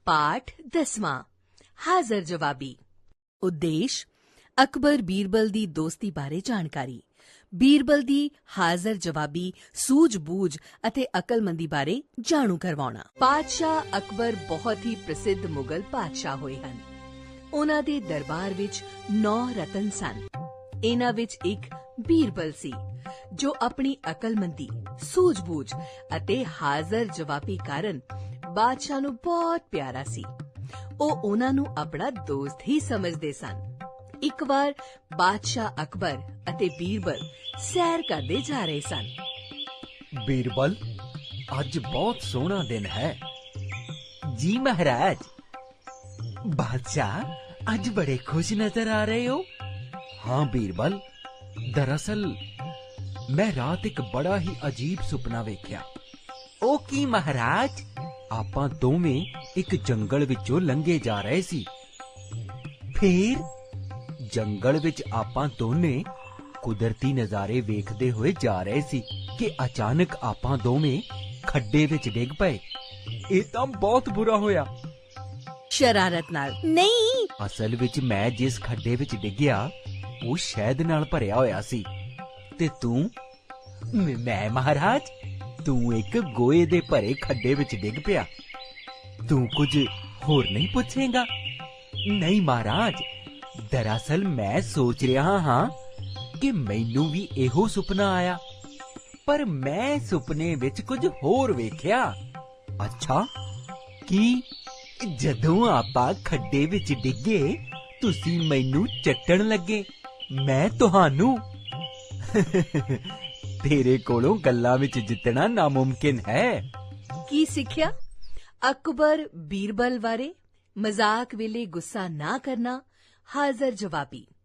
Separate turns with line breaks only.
ਪਾਠ 10ਵਾਂ ਹਾਜ਼ਰ ਜਵਾਬੀ। ਉਦੇਸ਼ ਅਕਬਰ ਬੀਰਬਲ ਦੀ ਦੋਸਤੀ ਬਾਰੇ ਜਾਣਕਾਰੀ। ਬੀਰਬਲ ਦੀ ਹਾਜ਼ਰ ਜਵਾਬੀ ਸੂਝ-ਬੂਝ ਅਤੇ ਅਕਲਮੰਦੀ ਬਾਰੇ ਜਾਣੂ ਕਰਵਾਉਣਾ। ਪਾਤਸ਼ਾਹ ਅਕਬਰ ਬਹੁਤ ਹੀ ਪ੍ਰਸਿੱਧ ਮੁਗਲ ਪਾਤਸ਼ਾਹ ਹੋਏ ਹਨ। ਉਹਨਾਂ ਦੇ ਦਰਬਾਰ ਵਿੱਚ 9 ਰਤਨ ਸਨ। ਇਹਨਾਂ ਵਿੱਚ ਇੱਕ ਬੀਰਬਲ ਸੀ ਜੋ ਆਪਣੀ ਅਕਲਮੰਦੀ, ਸੂਝ-ਬੂਝ ਅਤੇ ਹਾਜ਼ਰ ਜਵਾਬੀ ਕਾਰਨ ਬਾਦਸ਼ਾਹ ਨੂੰ ਬਹੁਤ ਪਿਆਰਾ ਸੀ। ਉਹ ਉਹਨਾਂ ਨੂੰ ਆਪਣਾ ਦੋਸਤ ਹੀ ਸਮਝਦੇ ਸਨ। ਇੱਕ ਵਾਰ ਬਾਦਸ਼ਾਹ ਅਕਬਰ ਅਤੇ ਬੀਰਬਲ ਸੈਰ ਕਰਦੇ ਜਾ ਰਹੇ ਸਨ।
ਬੀਰਬਲ, ਅੱਜ ਬਹੁਤ ਸੋਹਣਾ ਦਿਨ ਹੈ। ਜੀ ਮਹਾਰਾਜ। ਬਾਦਸ਼ਾਹ, ਅੱਜ ਬੜੇ ਖੁਸ਼ ਨਜ਼ਰ ਆ ਰਹੇ ਹੋ। ਹਾਂ ਬੀਰਬਲ, ਦਰਅਸਲ ਮੈਂ ਰਾਤ ਇੱਕ ਬੜਾ ਹੀ ਅਜੀਬ ਸੁਪਨਾ ਵੇਖਿਆ। ਉਹ ਕੀ ਮਹਾਰਾਜ? ਆਪਾਂ ਦੋਵੇਂ ਇੱਕ ਜੰਗਲ ਵਿੱਚੋਂ ਲੰਘੇ ਜਾ ਰਹੇ ਸੀ। ਫਿਰ ਜੰਗਲ ਵਿੱਚ ਆਪਾਂ ਦੋਨੇ ਕੁਦਰਤੀ ਨਜ਼ਾਰੇ ਵੇਖਦੇ ਹੋਏ ਜਾ ਰਹੇ ਸੀ ਕਿ ਅਚਾਨਕ ਆਪਾਂ ਦੋਵੇਂ ਖੱਡੇ ਵਿੱਚ ਡਿੱਗ ਪਏ। ਇਹ ਤਾਂ ਬਹੁਤ ਬੁਰਾ ਹੋਇਆ।
ਸ਼ਰਾਰਤ ਨਾਲ ਨਹੀਂ।
ਅਸਲ ਵਿੱਚ ਮੈਂ ਜਿਸ ਖੱਡੇ ਵਿੱਚ ਡਿੱਗਿਆ ਉਹ ਸ਼ਹਿਦ ਨਾਲ ਭਰਿਆ ਹੋਇਆ ਸੀ ਤੇ ਤੂੰ? ਮੈਂ ਮਹਾਰਾਜ, ਤੂੰ ਇੱਕ ਗੋਹੇ ਦੇ ਭਰੇ ਖੱਡੇ ਵਿੱਚ ਡਿੱਗ ਪਿਆ। ਤੂੰ ਕੁਝ ਹੋਰ ਨਹੀਂ ਪੁੱਛੇਗਾ? ਨਹੀਂ ਮਹਾਰਾਜ, ਦਰਅਸਲ ਮੈਂ ਸੋਚ ਰਿਹਾ ਹਾਂ ਕਿ ਮੈਨੂੰ ਵੀ ਇਹੋ ਸੁਪਨਾ ਆਇਆ, ਪਰ ਮੈਂ ਸੁਪਨੇ ਵਿੱਚ ਕੁਝ ਹੋਰ ਵੇਖਿਆ। ਅੱਛਾ, ਕੀ? ਜਦੋਂ ਆਪਾਂ ਖੱਡੇ ਵਿੱਚ ਡਿੱਗੇ ਤੁਸੀਂ ਮੈਨੂੰ ਚੱਟਣ ਲੱਗੇ, ਮੈਂ ਤੁਹਾਨੂੰ। ਤੇਰੇ ਕੋਲੋਂ ਗੱਲਾਂ ਵਿੱਚ ਜਿੱਤਣਾ ਨਾਮੁਮਕਿਨ ਹੈ।
ਕੀ ਸਿੱਖਿਆ? ਅਕਬਰ ਬੀਰਬਲ ਬਾਰੇ ਮਜ਼ਾਕ ਵੇਲੇ ਗੁੱਸਾ ਨਾ ਕਰਨਾ। ਹਾਜ਼ਰ ਜਵਾਬੀ।